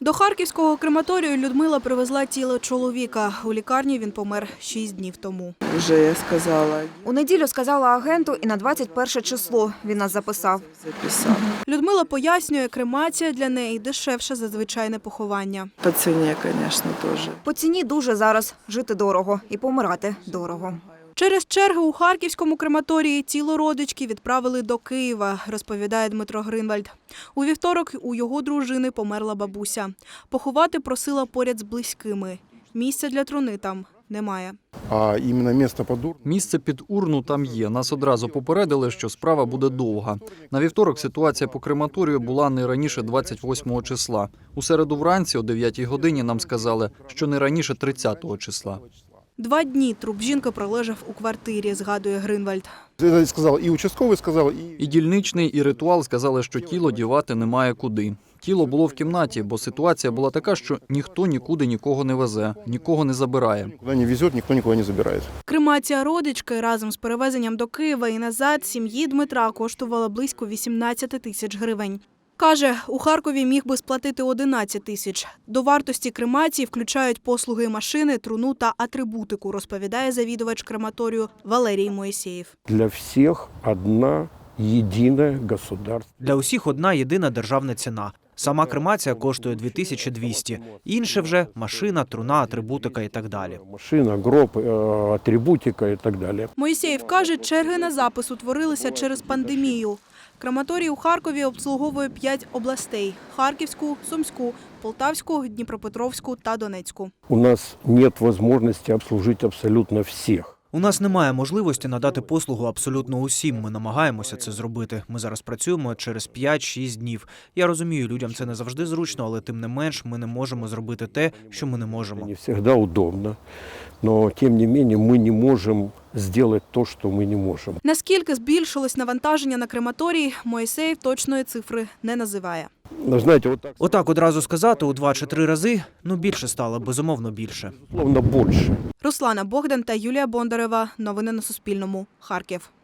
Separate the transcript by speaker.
Speaker 1: До харківського крематорію Людмила привезла тіло чоловіка. У лікарні він помер 6 днів тому.
Speaker 2: Вже я сказала.
Speaker 3: У неділю сказала агенту і на 21 число він нас записав.
Speaker 1: Людмила пояснює, кремація для неї дешевше за звичайне поховання.
Speaker 2: По ціні, звісно, теж.
Speaker 3: По ціні дуже зараз. Жити дорого і помирати дорого.
Speaker 1: Через черги у харківському крематорії тіло родички відправили до Києва, розповідає Дмитро Гринвальд. У вівторок у його дружини померла бабуся. Поховати просила поряд з близькими. Місця для труни там немає.
Speaker 4: А іменно місце під урну?
Speaker 5: Місце під урну там є. Нас одразу попередили, що справа буде довга. На вівторок ситуація по крематорію була не раніше 28 числа. У середу вранці о 9 годині нам сказали, що не раніше 30 числа.
Speaker 1: 2 дні труп жінки пролежав у квартирі, згадує Гринвальд.
Speaker 4: Це сказав і участковий, сказав,
Speaker 5: І дільничний, і ритуал сказали, що тіло дівати немає куди. Тіло було в кімнаті, бо ситуація була така, що ніхто нікуди нікого не везе, нікого не забирає.
Speaker 4: Куди не везе, ніхто нікого не забирає.
Speaker 1: Кремація родички разом з перевезенням до Києва і назад сім'ї Дмитра коштувала близько 18 тисяч гривень. Каже, у Харкові міг би сплатити 11 тисяч. До вартості кремації включають послуги машини, труну та атрибутику, розповідає завідувач крематорію Валерій Моїсеєв.
Speaker 6: Для всіх одна єдина государственна.
Speaker 7: Для усіх одна єдина державна ціна. Сама кремація коштує 2200. Інше вже машина, труна, атрибутика і так далі.
Speaker 6: Машина, гроб, атрибутика і так далі.
Speaker 1: Моїсеєв каже, черги на запис утворилися через пандемію. Крематорій у Харкові обслуговує 5 областей – Харківську, Сумську, Полтавську, Дніпропетровську та Донецьку.
Speaker 6: У нас нет можливості обслужити абсолютно всіх.
Speaker 7: У нас немає можливості надати послугу абсолютно усім. Ми намагаємося це зробити. Ми зараз працюємо через 5-6 днів. Я розумію, людям це не завжди зручно, але тим не менш ми не можемо зробити те, що ми не можемо.
Speaker 6: Не завжди удобно, але тим не менше ми не можемо зробити те, що ми не можемо.
Speaker 1: Наскільки збільшилось навантаження на крематорій, Моїсеєв точної цифри не називає.
Speaker 6: Знаєте,
Speaker 7: Отак одразу сказати у 2 чи 3 рази, більше стало, безумовно більше.
Speaker 6: словно більше.
Speaker 1: Руслана Богдан та Юлія Бондарева. Новини на Суспільному. Харків.